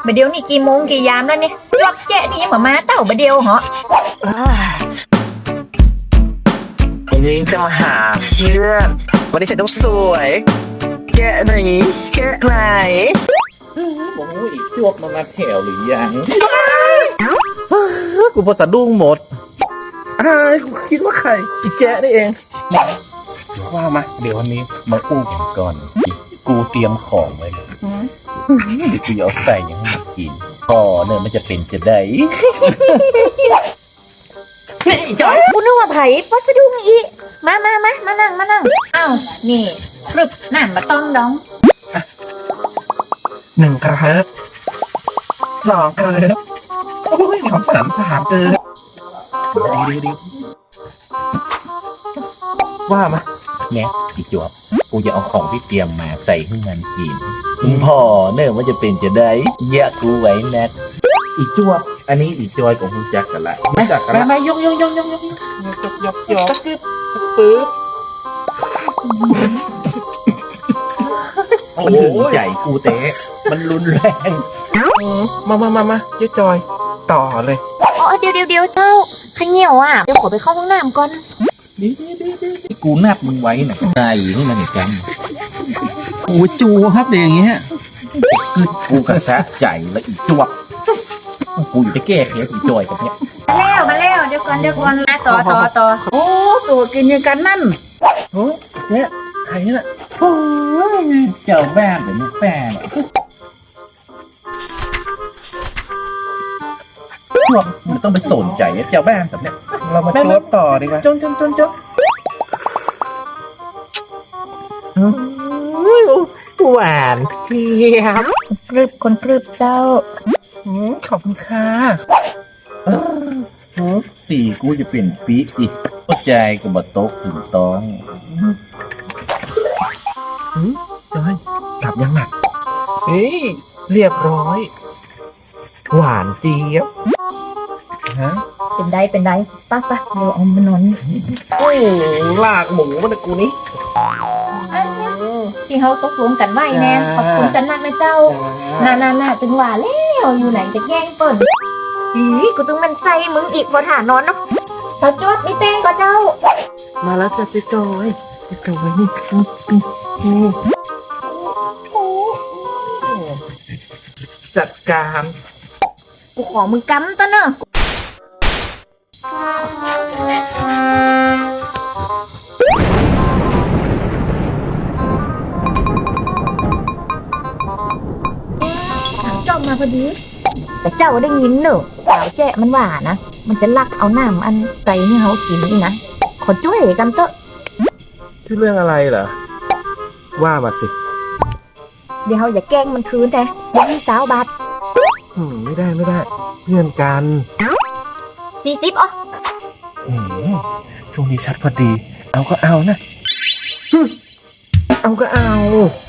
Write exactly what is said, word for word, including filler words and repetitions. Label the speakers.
Speaker 1: บะเดียวนี่กี่โมงกี่ยามแล้วเนี่ยจวบแจ๊ะนี่ยังมามาเต้าบะเดียวเหรอ
Speaker 2: วันนี้จะมาหาเพื่อนวันนี้ฉันต้องสวยแกะไหนแกะไหนโอ้ยจวบมามาแถวหรือยังกูพอสะดุ้งหมดอ้ายกูคิดว่าใครอีแจ๊ะนี่เองว่ามาเดี๋ยววันนี้มาอู้กันก่อนกูเตรียมของไว้เลยเดี๋ยวกูจะเอาใส่ยังให้มันกินพอเนี่ยมันจะเป็นจะได้
Speaker 1: กูนึกว่าไผ่พอสะดุ้งอีมามามามานั่งมานั่งอ้าวนี่ครึบน้ำมาต้องดอง
Speaker 2: หนึ่งกระเฮิบสองกระเฮิบโอ้ยของฉันสามเกินดีดีดีว่ามาเนี่ยอีจวบกูจะเอาของที่เตรียมมาใส่ให้มันกินมึงพอเนื่อว่าจะเป็นจะได้เยอะกูไว้แน่อีจวบอันนี้อีจอยของคุณจักกันละไม่จักกันละไม่ยกยกยกยกยกยกยกยกยกปึ๊บปึ๊บมันถึงใจกูเตะมันรุนแรงมามามามาเจ๊จอยต่อเลย
Speaker 1: อ๋อเดี๋ยวเดี๋ยวเดี๋ยวเจ้าขยี้ยวอ่ะเดี๋ยวขอไปเข้าห้องน้ำก่อน
Speaker 2: ดีดีดีดีกูนับมึงไว้หน่อยใจนี่มันจังโอ้จูครับเดี๋ยวอย่างเงี้ยคือกูกระแสใจแล้วอีจวบกูอยู่จะแก้เคสอีจอยกับเนี้ย
Speaker 1: มาแล้วมาแล้วเดี๋ยวก่อนเดี๋ยวก่อนนะต่อต่อต่อ
Speaker 3: โอ้ตัวกินยังกันนั่น
Speaker 2: โอ้เนี่ยใครน่ะโอ้ยเจ้าบ้านเดี๋ยวนี้แป้งจวบมันต้องไปสนใจเจ้าบ้านแบบเนี้ยเรามาจวบต่อดีกว่าจนจนจนจนหวานเทียบ
Speaker 1: กรึบคนกรึบเจ้า
Speaker 2: ขอบคุณค่ะสี่กูจะเป็นปีอีกเข้าใจกับบทโต๊ะถึงต้องจอยกลับยังหนักเฮ้ยเรียบร้อยหวานเจี๊ยบฮะ
Speaker 1: เป็นได้เป็นได้ป้าป้าเดี๋ยวเอามานอน
Speaker 2: โอ้ยลากหมูมันกูนี้
Speaker 1: ที่เขาตกลงกันไว้แน่ขอบคุณจันนักนะเจ้าน่าน่าน่าตึงหว่าแล้วอยู่ไหนจะแย่งเปิ่นอีกูตึงมันใจมึงอีกพอถานอนเนาะตาจวดไม่แป้งก็เจ้า
Speaker 2: มาแล้วจ้ะเจ๊จอยเจ๊จอยนี่จัดการ
Speaker 1: กูขอมึงกำตัวเนอะจอมมาพอดีแต่เจ้าได้ยินเนอะสาวแจ๊มันว่านะมันจะลักเอาน้ำอันไก่ให้เขากินนี่นะขอช่วยกันเถอะ
Speaker 2: ที่เรื่องอะไรเหรอว่ามาสิ
Speaker 1: เดี๋ยวเขาอย่าแกล้งมันคืนแต่ยังมีสาวบาท
Speaker 2: อืมไม่ได้ไม่ได้เงื่อนกัน
Speaker 1: สี่สิบอ๋อ
Speaker 2: อืมช่วงนี้ชัดพอดีเอาก็เอานะเอาก็เอา